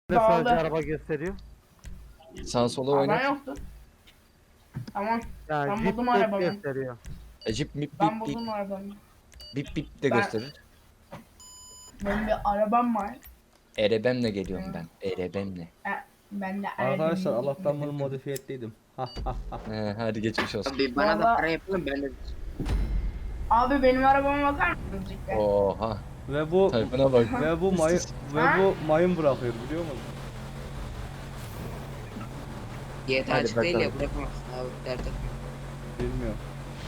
Ne sadece Dağıldı. araba gösteriyor? Sağa sola Aa, oyna. ben yoktu. Tamam. Yani Ben Jeep buldum tek arabamı. gösteriyor. Cip mip Ben bip bip. buldum arabamı. Bip bip de Ben- gösterir. Benim bir arabam var. Erebemle geliyorum ben. Erebemle. Ben de Arkadaşlar arabamı Allah'tan bunu modifiye ettiydim. Ha ha ha. Hadi geçmiş olsun. Abi bana da Vallahi- para yapalım ben de. Abi benim arabama bakar mısınız ilk be? Oha. Ve bu Tayfuna bak. mayın bırakıyor biliyor musun? GTA Hadi açık değil ya bakalım. bırakamazsın abi dert etme. Bilmiyorum.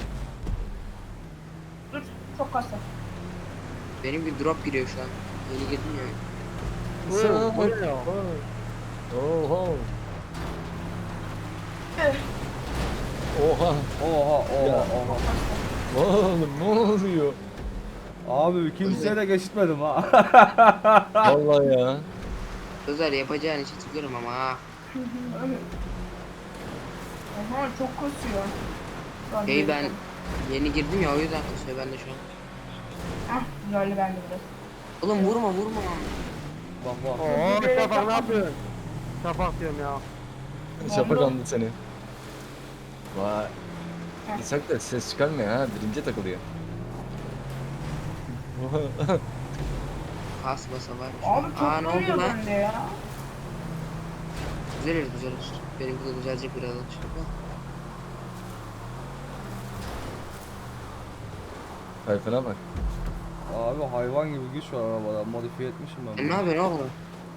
Dur. Çok kasa. Benim bir drop giriyor şu an. Yeni girdim ya. Bu ne ya? Oha. Üh, Oha. Oha Ya. oha. Oğlum ne oluyor? Abi kimseye de geçitmedim ha. Vallahi ya. Özel yapacağın işi tıklarım ama ha. Aha çok kasıyor. Lan Hey ben benim- yeni girdim ya o yüzden kasıyor ben de şu an. Hah güzeldi bende biraz. Oğlum vurma. Bak bak. Oo Şafak ne yapıyorsun? Şafak diyorum ya. Şafak andı seni. Vay. Heh. İshak da ses çıkarmıyor ha. Birinci takılıyor. Kas basa var. Abi çok Aa ne oldu dönüyor lan? bende ya. Düzelir. Benimki de düzelecek birazdan. Tayfuna bak. Abi hayvan gibi güç var arabada. Modifiye etmişim ben. Sen ne yapıyorsun oğlum?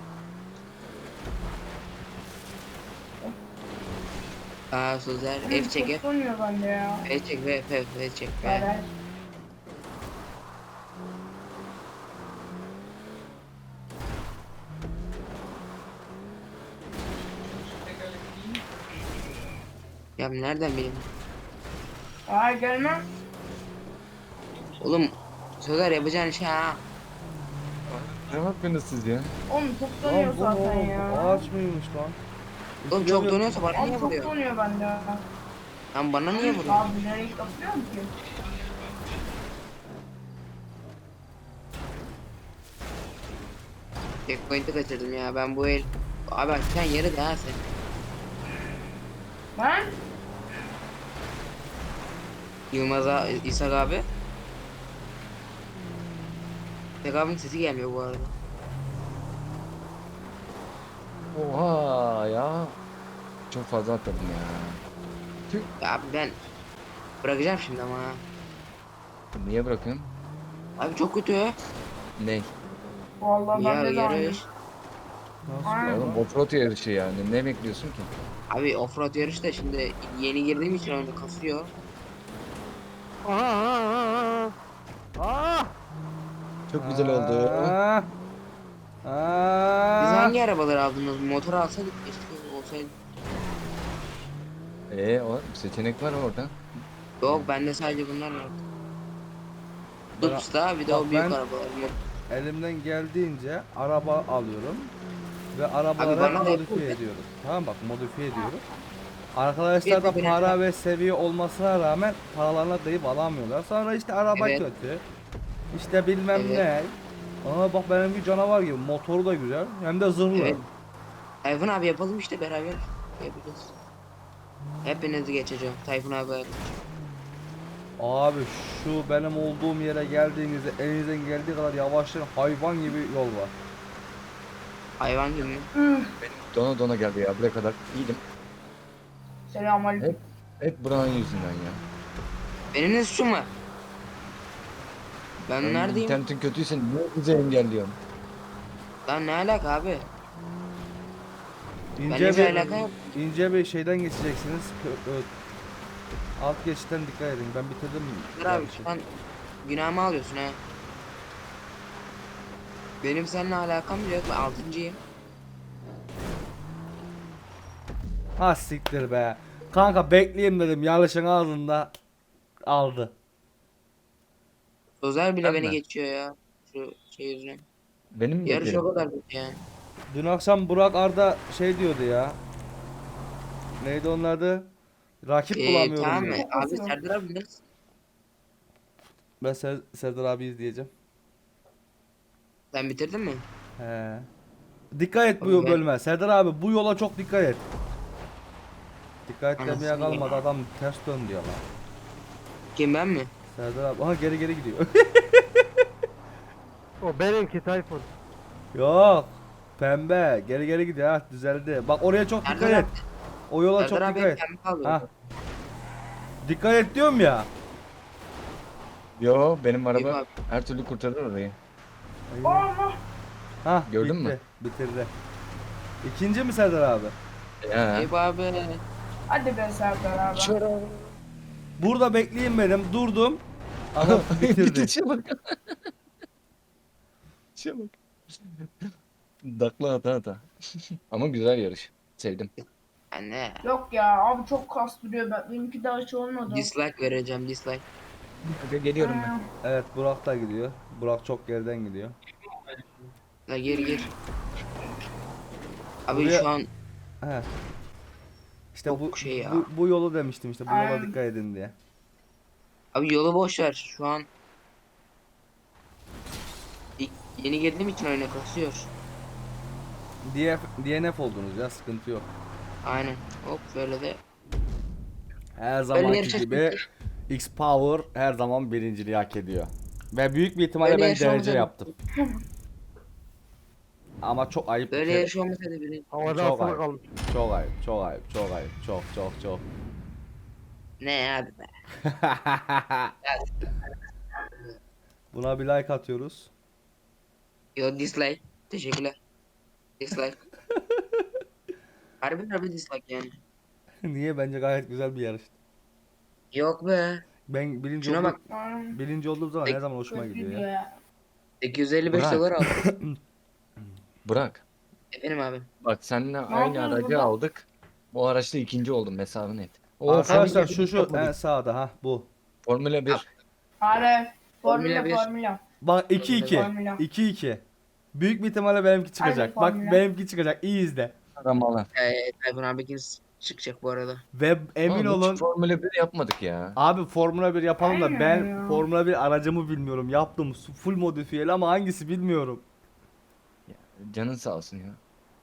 Aa Sözer F çek F. Çok dönüyor bende ya. F çek F çek F. Beraber. Ya nereden bileyim? Ay gelmem. Oğlum Sözer yapacağın şey ha. Ne yapıyorsunuz siz ya? Oğlum çok Lan dönüyor bu zaten oğlum, ya. ağaç mıymış lan? Oğlum çok dönüyorsa bana Abi niye çok vuruyor? dönüyor bende. Lan bana niye vuruyor? Abi nereye kapıyorum ki? Checkpoint'i kaçırdım ya ben bu el. Abi açan yeri de ha sen. Ben? Yılmaz'a İshak abi. İshak abinin sesi gelmiyor bu arada. Oha ya. Çok fazla atladım ya. Tüh. Ya abi ben bırakacağım şimdi ama ha. Niye bırakıyorsun? Abi çok kötü. Ne? Vallahi Ya bende de aynı. yarış. Nasıl? Aynen. Oğlum offroad yarışı yani. Ne bekliyorsun ki? Abi offroad yarış da şimdi yeni girdiğim için oyunda kasıyor. Aha. Aa! Çok güzel oldu. Aa. Biz Aa. hangi arabaları aldınız? Motor alsaydık keşke olsaydı. O seçenek var orada. Yok bende sadece bunlar var. Ben- Dups'ta bir de o Bak büyük ben- arabalar. Elimden geldiğince araba alıyorum ve Abi arabaları bana da modifiye yapıl- ediyorum. Tamam bak modifiye ediyorum. Arkadaşlar da Yapıl- para ve seviye olmasına rağmen paralarına deyip alamıyorlar. Sonra işte araba Evet. kötü. İşte bilmem Evet. ne. Aa bak benimki canavar gibi. Motoru da güzel. Hem de zırhlı. Evet. Tayfun abi yapalım işte beraber yapacağız. Hepinizi geçeceğim. Tayfun abi. Abi şu benim olduğum yere geldiğinizde elinizden geldiği kadar yavaşlayın. Hayvan gibi yol var. Hayvan gibi mi? Dona dona geldi ya. Buraya kadar iyiydim. Selamünaleyküm. Hep buranın yüzünden ya. Benim ne suçum var? Ben neredeyim? İnternetin kötüyse niye bizi engelliyorsun? Lan ne alaka abi? İnce Benimle bir alaka yok. ince bir şeyden geçeceksiniz. Alt geçitten dikkat edin. Ben bitirdim. Dur abi yarışı. şu an günahımı alıyorsun ha. Benim seninle alakam yok. Ben altıncıyım. Ha siktir be. Kanka bekleyeyim dedim. Yarışın ağzında aldı. Özel bile Ben beni mi? geçiyor ya. Şu şey yüzünden. Benim mi Yarış o beklerim? kadar kötü yani. Dün akşam Burak Arda şey diyordu ya. Neydi onun adı? Rakip bulamıyorum Tamam diyor. mı? Abi Serdar abi neredesin? Ben Serdar abi izleyeceğim. Sen bitirdin mi? He. Dikkat et bu Oğlum ben- bölüme. Serdar abi bu yola çok dikkat et. Dikkat et demeye Anasını kalmadı, ya. adam ters dön diyor lan. Kim ben mi? Serdar abi aha geri gidiyor. O benimki Tayfun. Yok. Pembe geri gidiyor ha, düzeldi. Bak oraya çok dikkat Serdar et. O yola çok Serdar abi dikkat hep et. pembe kalıyor. Ha. Dikkat et diyorum ya. Yo benim Eyüp araba abi. her türlü kurtarır orayı. Allah. Ha Gördün bitti. mü? Bitirdi. İkinci mi Serdar abi? Ya. Eyüp abi. Hadi be Serdar abi. Burada bekleyin benim. Durdum. Adam bitirdi. İşe bak. İşe bak. Dakla ata. Ama güzel yarış. Sevdim. Anne. Yok ya abi çok kastırıyor ben. Benimki daha hiç olmadı. Dislike vereceğim dislike. Geliyorum ben. Evet Burak da gidiyor. Burak çok geriden gidiyor. La gir. Abi Buraya- şu an He. İşte Çok bu, şey ya. bu yolu demiştim işte, bu yola Aynen. dikkat edin diye. abi yolu boş ver. Şu an yeni girdiğim için oyuna kasıyor. DNF oldunuz ya, sıkıntı yok. Aynen. Hop böyle de. Her zamanki yarışa gibi X Power her zaman birinciliği hak ediyor. Ve büyük bir ihtimalle Böyle ben yarış derece olmasa- yaptım. Ama çok ayıp bir Böyle kere. yarış olmasaydı biri. Havada Çok asılı ayıp. kalmış. Çok ayıp, çok ayıp, çok ayıp, çok. Ne hadi be. Buna bir like atıyoruz. Yo dislike. Teşekkürler. Dislike. Harbi dislike yani. Niye? Bence gayet güzel bir yarıştı. Yok be. Ben birinci Şuna olduğum, bak. birinci olduğum zaman her zaman hoşuma Kötü gidiyor diyor ya. ya. 855 Burak. dolar aldım. Burak. Efendim abi. Bak seninle aynı yapıyoruz aracı burada? aldık. Bu araçta ikinci oldum hesabını et. O Arkadaşlar senin şu yapmadık. en sağda ha bu. Formula 1. Hadi. Formula Formula bir. formula. Bak 2-2. Formula. 2-2. Büyük bir ihtimalle benimki çıkacak. Bak formüle. benimki çıkacak. İyi izle. Aramalar. Tayfun abi çıkacak bu arada. Ve emin Ama hiç olun Formula 1 yapmadık ya. abi Formula 1 yapalım da Aynen ben ya. Formula 1 aracımı bilmiyorum. Yaptım full modifiyeli ama hangisi bilmiyorum. Canın sağ olsun ya.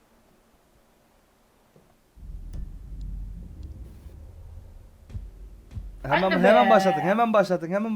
Hemen Hadi hemen be. başlatın.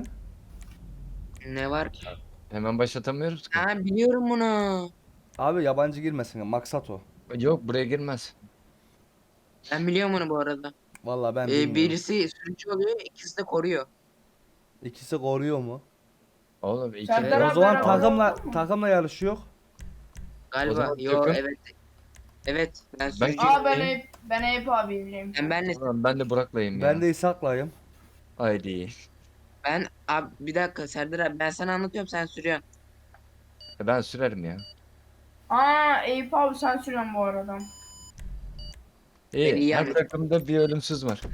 Ne var ki? Hemen başlatamıyoruz ki. Ha biliyorum bunu. Abi yabancı girmesin. Maksat o. Yok buraya girmez. Ben biliyorum bunu bu arada. Vallahi ben bilmiyorum. Birisi sürücü oluyor, ikisi de koruyor. İkisi koruyor mu? Oğlum iki Serdar O abi zaman beraber takımla olduk mu? takımla yarışıyor. Galiba. zaman Yo takım- evet. Evet ben Ben sürücü. kim- Aa ben Eyüp abiyleyim. Ben Ulan ben de Burak'layım ya. Ben de İshak'layım. Haydi. abi bir dakika Serdar abi ben sana anlatıyorum sen sürüyorsun. Ben sürerim ya. Aa Eyüp abi sen sürüyorsun bu arada. İyi. Ben iyi Her anladım. takımda bir ölümsüz var.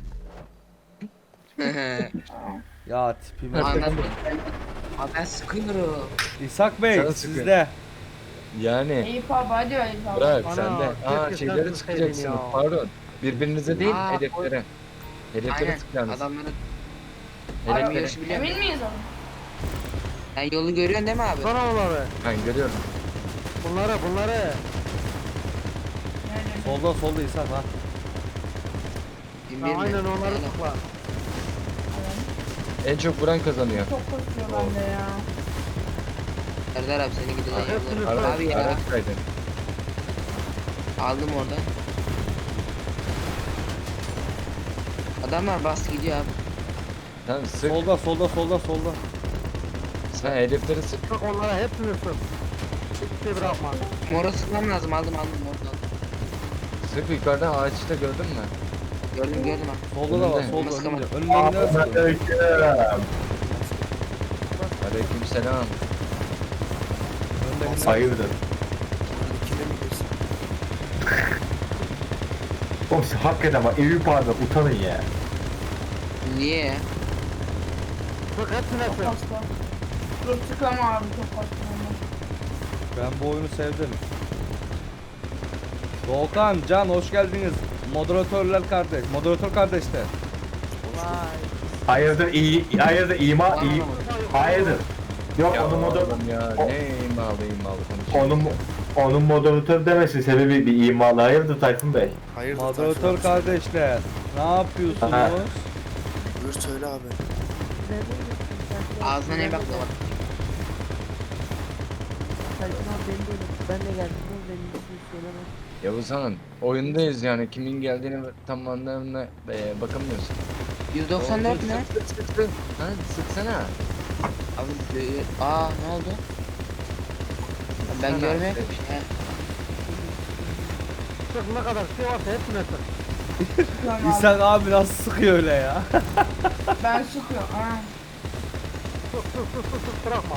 Ya tipime. Anladım. Abi ben sıkıyorum. İshak Bey Sana sizde. Yani Eyüp abi hadi Eyüp abi. Burak Ana, sen de. Aa keşke şeyleri sen sıkacaksınız. tutsaydın ya. Pardon. Birbirinize değil Aa, hedeflere. Hedeflere Aynen sıkacaksınız. adamları Hedeflere. yarışı biliyorum. Emin miyiz abi? Sen yolu görüyorsun değil mi abi? Sana onları. Ben görüyorum. Bunları. Nerede? Solda İshak ha. Bin Ha, bir mi? aynen onları tıkla. En çok vuran kazanıyor. Çok koşuyor bende ya. Serdar abi seni gidilen Hepsini yolları. sor. Abi ya Araç kaydı. aldım oradan. Adamlar bastı gidiyor abi. Tamam sık. Solda. Sen hedefleri sık. Tık onlara hepsini sır. Hiçbir şey bırakma. Mora sıkmam lazım aldım oradan. Sık yukarıda ağaçta gördün mü? Gördüm abi. Solda da var. Önünde. Solda Nasıl önünde. ama? Önünde sıkıyor. Aleykümselam. Hayırdır? Oğlum siz hakikaten bak Eyüp abi utanın ya. Niye ya? Tık hepsine Çok sır. hasta. Dur tıklama abi çok hasta. Ben bu oyunu sevdim. Doğukan, Can hoş geldiniz. Moderatör kardeşler. Hayırdır iyi hayırdır hayırdır. Yok Ya onun oğlum ya o- ne imalı konuşuyor. onun moderatör demesi sebebi bir imalı. Hayırdır Tayfun Bey? Hayırdır Moderatör Tayfun abi? kardeşler. Ne yapıyorsunuz? Aha. Buyur söyle abi. Ağzına ne bakla bak. Tayfun abi beni de unut. Ben de geldim. Benim ismini söylemem. Yavuz Hanım oyundayız yani kimin geldiğini tam anlamına bakamıyorsun. 194 ne? Sık. Ha sıksana. Abi ne oldu? Ben Sana. görmüyorum ki. He. Sık ne kadar şey varsa hepsine sık. Sıkıyorum abi. İshak abi nasıl sıkıyor öyle ya? Ben sıkıyorum. Ha. Sık bırakma.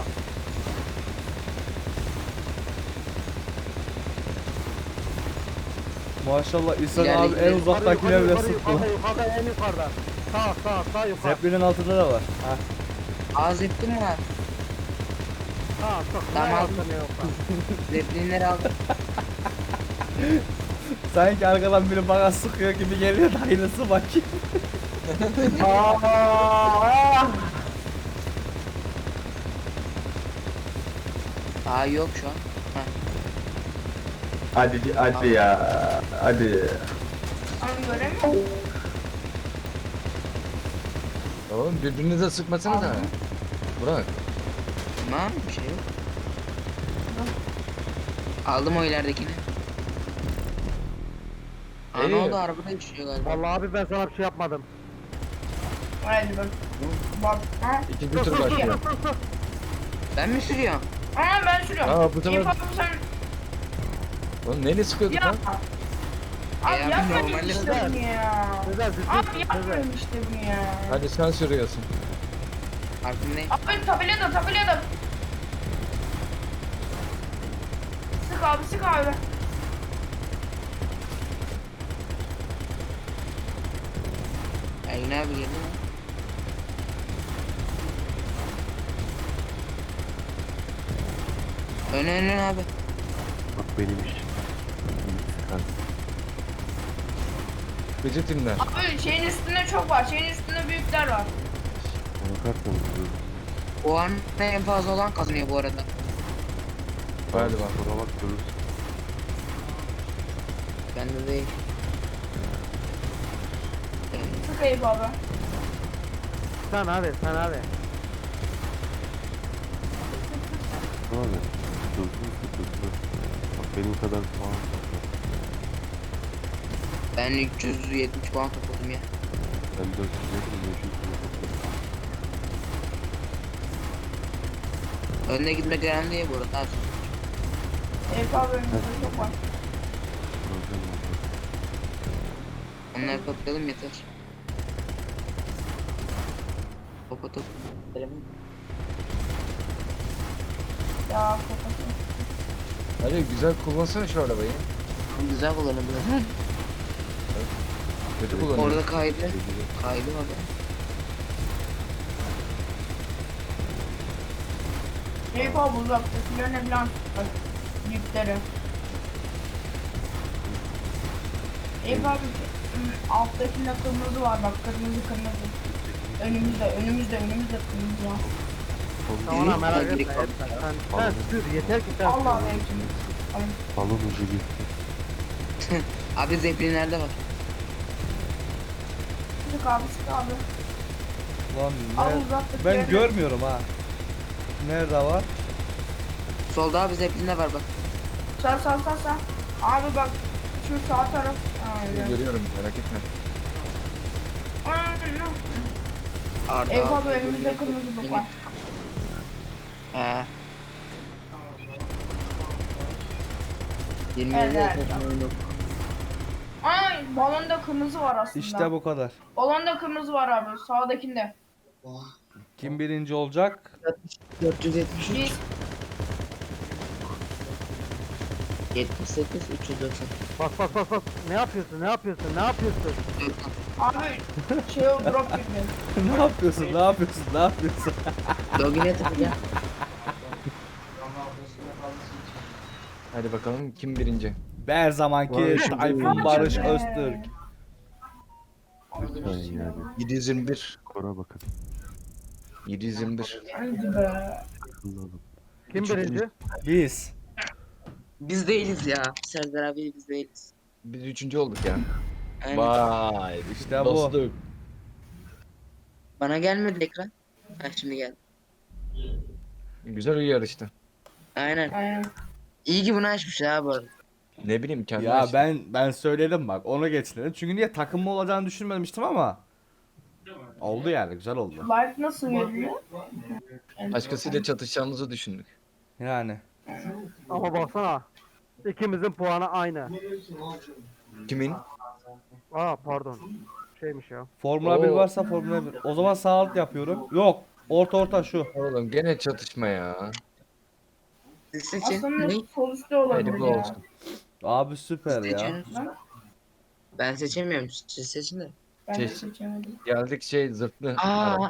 Maşallah İshak İlerle abi en gidelim. uzaktakine bile sıktı. Yukarıda en yukarıda. Sağ yukarı. Zeppelin altında da var. Ha. Ağız ettin mi abi? Sağ sık. Tamam. Ne yaptın ne yoksa. Zeppelinleri aldım. Sanki arkadan biri bana sıkıyor gibi geliyor da aynısı bakayım. Yok şu an. Hadi ya. Hadi. Abi göremiyorum. Oğlum birbirinize sıkmasana da. Burak. Tamam bir şey yok. Aldım o ileridekini. Ne İyi. oldu arabada düşüyor galiba. Vallahi abi ben sana bir şey yapmadım. Hadi bak. Bak. Ha. İkinci tur başlıyor. Ben mi sürüyorum? Ben sürüyorum. Aa, bu sefer- İyi, abi sen. Oğlum neyle sıkıyorduk Ya. lan? Abi abi yapmayın normalde işte güzel. bunu ya. Güzel Abi yapmayın işte bunu ya. Hadi sen sürüyorsun. Farkındayım. Abi tabelada. Sık abi. Ergin abi geldi mi? Ön abi. Bak benim iş. Gıcı timler. Abi şeyin üstünde çok var. Şeyin üstünde büyükler var. Ona kartla O an en fazla olan kazanıyor bu arada. Hadi bak. Sonra bak görürsün. Bende değil. Sık Eyüp abi. Sen abi. Abi. Hızlı. Bak benim kadar puan topla. Ben 370 puan topladım ya. Ben 400 500 puan topladım. Önüne gitmek önemli değil bu arada. Eyüp abi önünde çok var. Problem oldu. Onları toplayalım yeter. Topa top. Ya kafası. Hadi güzel kullansana şu arabayı. Güzel kullanıldı. Kötü kullanıyor. Orada kaydı. Kaydı orada. Eyüp abi uzaktakilerine falan bak. Büyükleri. Eyüp abi alttakinde kırmızı var bak kırmızı. Önümüzde kırmızı var. Tamam merak etme. Direkt al. Sen sür yeter ki sen Allah sür. versin. Balon ucu gitti. Abi zeppelinlerde var. Sık abi. Lan Al ne? uzaktakilerine. Ben görmüyorum ha. Nerede var? Solda abi zeppelinde var bak. Sağ. Abi bak şu sağ taraf. Aynen. Görüyorum merak etme. Aynen. Arda. Eyüp abi önümüzde kırmızı bak var. He. 20 Evet. evet. Ay balonda kırmızı var aslında. İşte bu kadar. Balonda kırmızı var abi sağdakinde. Kim birinci olacak? 473. Biz 78 390. Bas. Ne yapıyorsun? abi şey o drop gibi. ne yapıyorsun? Logine tıklayacağım. Hadi bakalım kim birinci? Her zamanki Barış Tayfun Barış Öztürk. Lütfen yani. 721. Skora bakın. 721. Hadi be. akıllı olun. Kim birinci? Biz. Biz değiliz ya. Serdar abi biz değiliz. Biz üçüncü olduk ya. Aynen. Vay. İşte bu. Dostluk. Bana gelmedi ekran. Ha şimdi geldi. Güzel bir yarıştı. Aynen. Aynen. İyi ki bunu açmış ya bu arada. Ne bileyim kendim Ya açtım. ben söyledim bak, onu geçtim. Çünkü niye, takımlı olacağını düşünmemiştim ama oldu yani, güzel oldu. Like nasıl veriliyor? Başkasıyla çatışacağımızı düşündük. Yani Ama baksana. İkimizin puanı aynı. Kimin? Aa pardon. Şeymiş ya. Formula 1 Oo. varsa Formula 1. O zaman sağ alt yapıyorum. Yok. Orta şu. Oğlum gene çatışma ya. Siz seçin. Aslında Ne? sol üstte olabilir Hayırlı ya. olsun. Abi süper ya. Seçin. Ben seçemiyorum. Siz seçin de. Ben de Şey- seçemedim. Geldik zırhlı. Aa.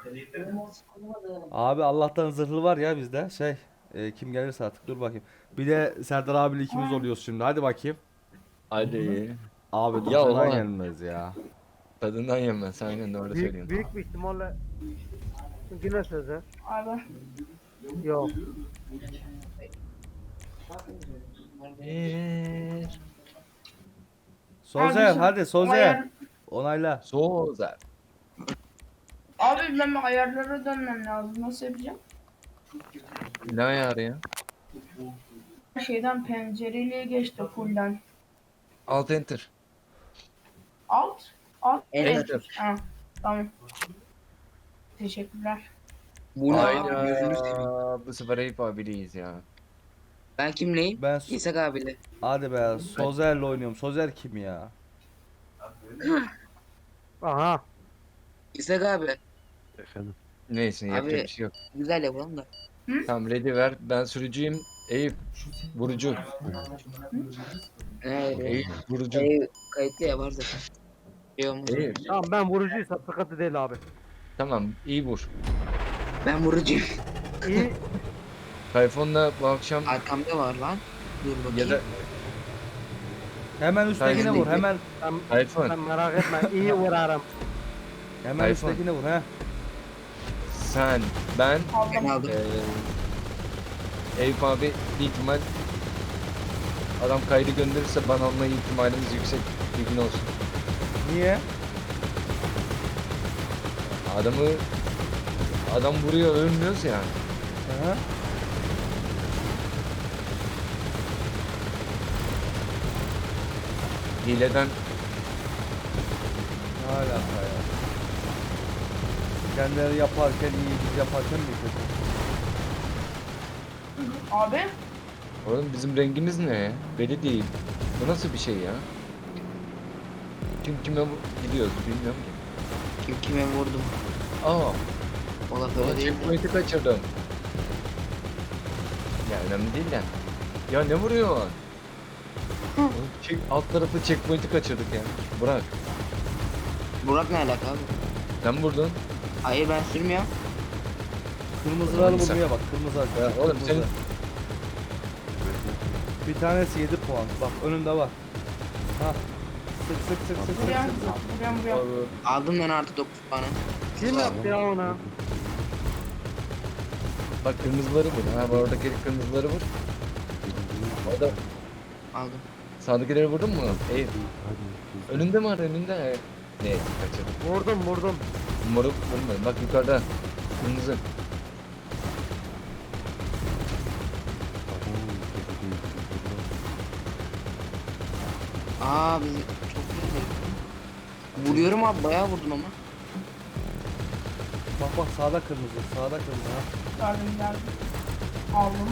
Abi Allah'tan zırhlı var ya bizde. Kim gelirse artık, dur bakayım. Bir de Serdar abiyle ikimiz oluyoruz şimdi. Hadi bakayım. Hadi. Abi Ya ya ulan. gelmez ya. Tadından yenmez. Aynen doğru söylüyorsun. Büyük bir ihtimalle yine sözü. Abi. Yok. Sozer Abi, hadi Sozer. Ayar... Onayla. Sozer. Abi ben ayarlara dönmem lazım. Nasıl yapacağım? Ne ayarı ya? Şeyden pencereliğe geçti fullden. Alt enter. Alt. Alt. Enter. Ha, tamam. Teşekkürler. Bu ne abi? Gözünü seveyim. Hayda. Bu sefer Eyüp abileyiz ya. Ben kimleyim? Ben İshak abiyle. hadi be, Sozer'le oynuyorum. Sozer kim ya? Aha. İshak abi. Efendim. Neyse yapacak Abi- bir şey yok. Güzel yapalım da. Tamam ready ver. Ben sürücüyüm. Eyüp. Vurucu. Evet. Eyüp vurucu. Kayıtlı ya var zaten. Şey olmaz. Eyüp. Tamam ben vurucuysam sıkıntı değil abi. Tamam iyi vur. Ben vurucuyum. İyi. Tayfun'la bu akşam Arkamda var lan. Dur bakayım. ya da Hemen üsttekine Sen- vur. Hemen Sen, Tayfun. sen merak etme. İyi vurarım. hemen Tayfun. üsttekine vur he. Sen, ben, Ben Aldım. aldım. Eyüp abi bir ihtimal adam kaydı gönderirse bana alma ihtimalimiz yüksek. Bilgin olsun. Niye? Adam vuruyor ölmüyoruz ya. Hı. Hileden Ne alaka ya? Kendileri yaparken iyi, biz yaparken mi kötü? Abi. oğlum bizim rengimiz ne ya? Belli değil. Bu nasıl bir şey ya? Kim kime gidiyoruz bilmiyorum ki. Kim kime vurdum. Aa, O laf o öyle değil de. checkpoint'i kaçırdım. Ya önemli değil de. Ya ne vuruyor? Oğlum, alt tarafı checkpoint'i kaçırdık ya. Bırak. Burak ne alaka abi? Sen vurdun. Hayır ben sürmüyorum. Kırmızıları Sen- bulmaya bak, kırmızı. Ya oğlum kırmızı. senin Bir tanesi 7 puan. Bak önünde var. Ha. Sık sık sık sık sık Buraya. sık sık. Buraya. Aldım ben artı 9 puanı. Kim yaptı ya ona? bak kırmızıları vur. Ha bu oradaki kırmızıları vur. Orada Aldım. sağdakileri vurdun mu? Eyüp. Hadi. Önünde mi var önünde? Ne kaçırdım. Vurdum. Moruk vurmadım. Bak yukarıda. Kırmızı. Aa bizi çok güzel. Vuruyorum abi bayağı vurdum ama. Bak bak, sağda kırmızı, sağda kırmızı ha. Geldim geldim. Aldım.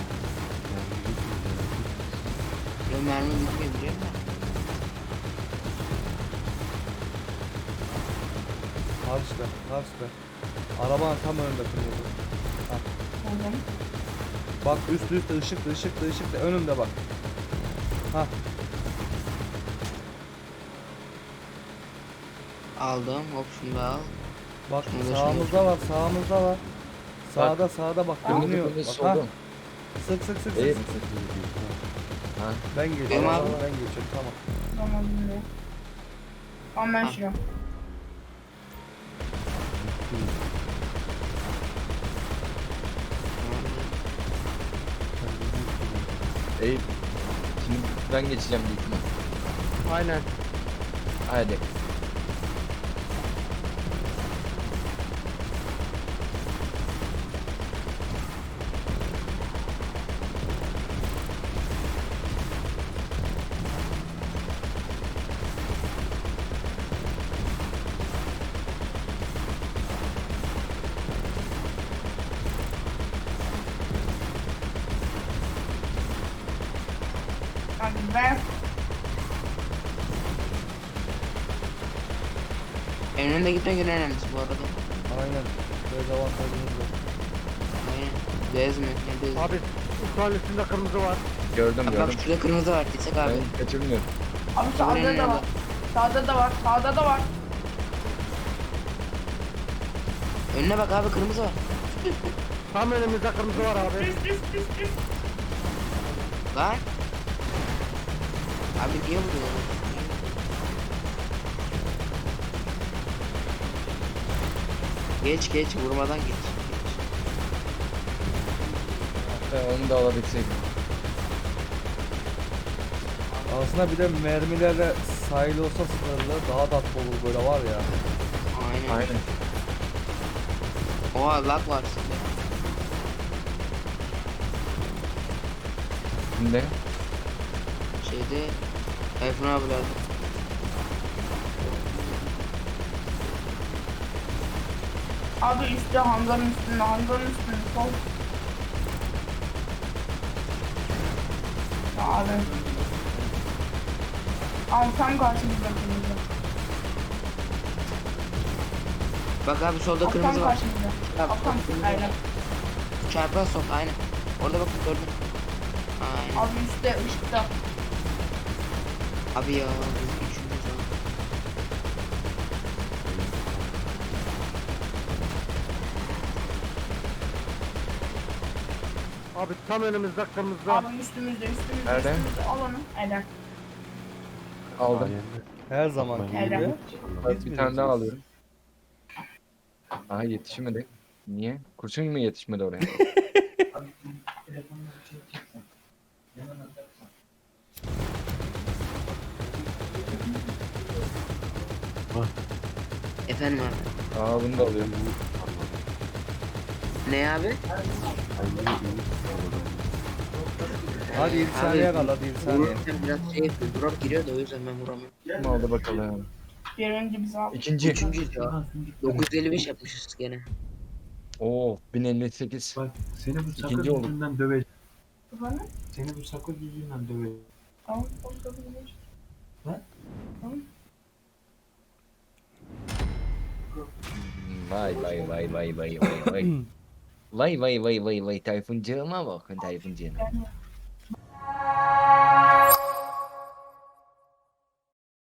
Böyle mermi bitmiyor biliyor musun? Karşıda, karşıda. Arabanın tam önünde kırmızı. Aldım. Bak üstte ışıklı önümde bak. Ha. Aldım. Hop şunu da al. Bak Şurada, sağımızda var, sağımızda var. Sağda bak Kırmızı görünüyor. kırmızı Bak, ha. soldu. Sık sık sık Eyüp. sık sık. Ha. Ben geçiyorum. Benim abi. Ben geçiyorum, tamam. Tamam dinle. Tamam ben Ha. sürüyorum. Eyüp. Şimdi ben geçeceğim büyük ihtimal. Aynen. Hadi. Hadi be. En önde gitmek en önemlisi bu arada. Aynen. Dezavantajımız var. Aynen. Bez mi? Ne bez? Abi uçağın üstünde kırmızı var. Gördüm Bak gördüm. şurada kırmızı var. Gitsek abi. Ben kaçırmıyorum. Abi sağda da var. Sağda da var. Sağda da var. Önüne bak abi, kırmızı var. Tam önümüzde kırmızı var abi. Düz. Lan. Abi niye vuruyor? Geç vurmadan geç. Onu da alabilseydim. Aslında bir de mermilerle sahil olsa sınırlı daha tatlı olur böyle var ya. Aynen. Aynen. Oha lag var sizde. Şimdi Şeyde Tayfun abilerde. Abi üstte hangarın üstünde. Sol. Ya abi. Abi tam karşımızda kırmızı. Bak abi solda Abi tam kırmızı var. karşımızda. Bak, Abi tam kırmızı aynen. var. Çarpığa sok aynen. Orada bak gördüm. Aynen. Abi üstte ışıkta. Abi ya biz üçümüz var. Abi tam önümüzde kırmızı. Abi üstümüzde. Nerede? Al onu. Aynen. aldım. Sayende. Her zaman Bakmayın. gibi. Helal. Biz Bir tane daha bileceğiz. alıyorum. Aha yetişmedi. Niye? Kurşun mu yetişmedi oraya? Efendim abi. Aa bunu da alıyorum. Ne abi? Hadi 7 saniye kal hadi 7 saniye. Vururken biraz şey yapıyor. Drop giriyor da o yüzden ben vuramıyorum. Kim aldı bakalım. Birinci biz abi. İkinci. Üçüncüyüz ya. 955 yapmışız gene. Oo 1058. Bak seni bu sakız İkinci olduk. yüzünden döveceğim. Efendim? Seni bu sakız yüzünden döveceğim. Tamam. Vay vay vay vay vay vay vay. Vay vay vay vay vay Tayfuncığıma bakın Tayfuncığıma.